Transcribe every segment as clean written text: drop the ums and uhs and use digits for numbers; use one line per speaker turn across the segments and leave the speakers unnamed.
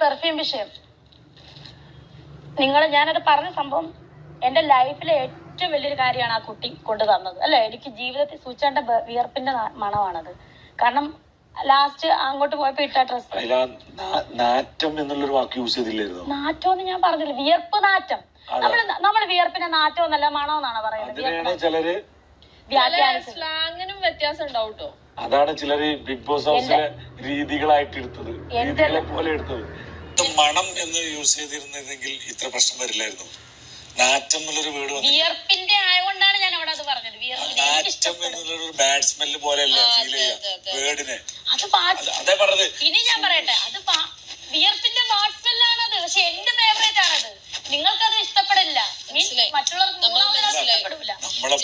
Perfume വിഷയം ഞാനത് പറഞ്ഞ സംഭവം എന്റെ ലൈഫിലെ ഏറ്റവും വലിയൊരു കാര്യമാണ് ആ കുട്ടി കൊണ്ടു തന്നത് അല്ലെ. എനിക്ക് ജീവിതത്തിൽ സൂചിച്ചേണ്ട വിയർപ്പിന്റെ മണമാണത്. കാരണം ലാസ്റ്റ് അങ്ങോട്ട് പോയപ്പോ ഇട്ട ഡ്രസ്
നാറ്റം എന്നുള്ളൊരു വാക്ക് യൂസ് ചെയ്തില്ലായിരുന്നു.
നാറ്റം എന്ന് ഞാൻ പറഞ്ഞില്ല, വിയർപ്പ് നാറ്റം. നമ്മള് വിയർപ്പിന്റെ നാറ്റം എന്നല്ല മണം എന്നാണ് പറയുന്നത്.
ചിലര്
സ്ലാങ്ങിനും വ്യത്യാസം ഉണ്ടാവും കേട്ടോ.
അതാണ് ചിലര് ബിഗ് ബോസ് ഹൗസിലെ രീതികളായിട്ട് എടുത്തത്, രീതികളെ പോലെ എടുത്തത്. മണം എന്ന് യൂസ് ചെയ്തിരുന്നെങ്കിൽ ഇത്ര പ്രശ്നം വരില്ലായിരുന്നു. നാറ്റം എന്നുള്ളൊരു വേർഡ്
വിയർപ്പിന്റെ ആയതുകൊണ്ടാണ് ഞാൻ അവിടെ അത് പറഞ്ഞത്.
നാറ്റം എന്നുള്ളൊരു ബാഡ് സ്മെല്ല് പോലെയല്ല ഫീൽ ചെയ്യുക വേർഡിനെ.
അതേ പറഞ്ഞത്. ഇനി ഞാൻ പറയട്ടെ, അത് വിയർപ്പിന്റെ ബാഡ് സ്മെല്ലാണത്. പക്ഷെ എന്റെ ഫേവറേറ്റ് ആണത്. നിങ്ങൾക്കത് ഇഷ്ടപ്പെടില്ല, മറ്റുള്ളവർക്ക് ഇഷ്ടപ്പെടില്ല.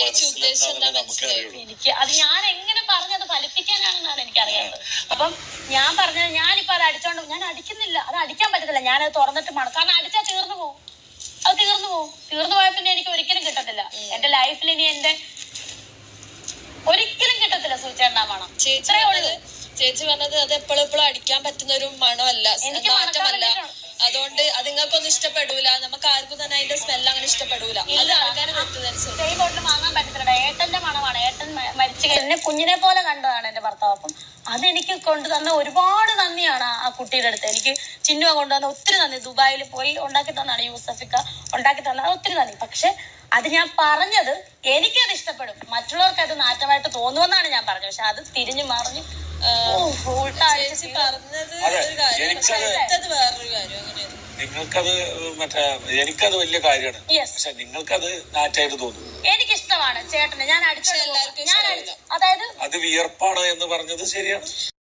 എനിക്ക് അത് ഞാൻ എങ്ങനെ പറഞ്ഞത് ഫലിപ്പിക്കാനാണെന്നാണ് എനിക്കറിയാത്തത്. അപ്പം ഞാൻ പറഞ്ഞത്, ഞാനിപ്പോ അത് അടിച്ചോണ്ട് ഞാൻ അടിക്കുന്നില്ല, അത് അടിക്കാൻ പറ്റത്തില്ല. ഞാനത് തുറന്നിട്ട് മണം, കാരണം അടിച്ചാൽ തീർന്നു പോകും. അത് തീർന്നു പോയ പിന്നെ എനിക്ക് ഒരിക്കലും കിട്ടത്തില്ല എന്റെ ലൈഫിൽ. ഇനി എന്റെ ഒരിക്കലും കിട്ടത്തില്ല സൂചേണ്ട മണം.
ചേച്ചി പറഞ്ഞത് അത് എപ്പോഴും അടിക്കാൻ പറ്റുന്ന ഒരു മണമല്ല, മാറ്റമല്ല. അതുകൊണ്ട് അത് നിങ്ങൾക്കൊന്നും ഇഷ്ടപ്പെടൂല, നമുക്ക് ആർക്കും തന്നെ അതിന്റെ സ്മെല്ല് അങ്ങനെ ഇഷ്ടപ്പെടൂല. അത് ആൾക്കാരെ
ബോട്ടിൽ വാങ്ങാൻ പറ്റത്തില്ല. ഏട്ടന്റെ മണമാണ്. ഏട്ടൻ മരിച്ചു എന്നെ കുഞ്ഞിനെ പോലെ കണ്ടതാണ് എന്റെ ഭർത്താവ്. അപ്പം അതെനിക്ക് കൊണ്ടുതന്ന ഒരുപാട് നന്ദിയാണ് ആ കുട്ടിയുടെ അടുത്ത്. എനിക്ക് ചിന്നുവ കൊണ്ടുവന്ന ഒത്തിരി നന്ദി. ദുബായിൽ പോയി ഉണ്ടാക്കി തന്നാണ് യൂസഫിക്ക ഉണ്ടാക്കി തന്നത്, ഒത്തിരി നന്ദി. പക്ഷെ അത് ഞാൻ പറഞ്ഞത് എനിക്കത് ഇഷ്ടപ്പെടും, മറ്റുള്ളവർക്ക് അത് നാറ്റമായിട്ട് തോന്നുമെന്നാണ് ഞാൻ പറഞ്ഞത്. പക്ഷെ അത് തിരിഞ്ഞു മറിഞ്ഞു
നിങ്ങൾക്കത് എനിക്കത് വലിയ കാര്യമാണ്. പക്ഷെ നിങ്ങൾക്കത് നാറ്റായിട്ട് തോന്നുന്നു.
എനിക്കിഷ്ടമാണ് ചേട്ടന്. ഞാൻ അതായത്
അത് വിയർപ്പാണ് എന്ന് പറഞ്ഞത് ശരിയാണ്.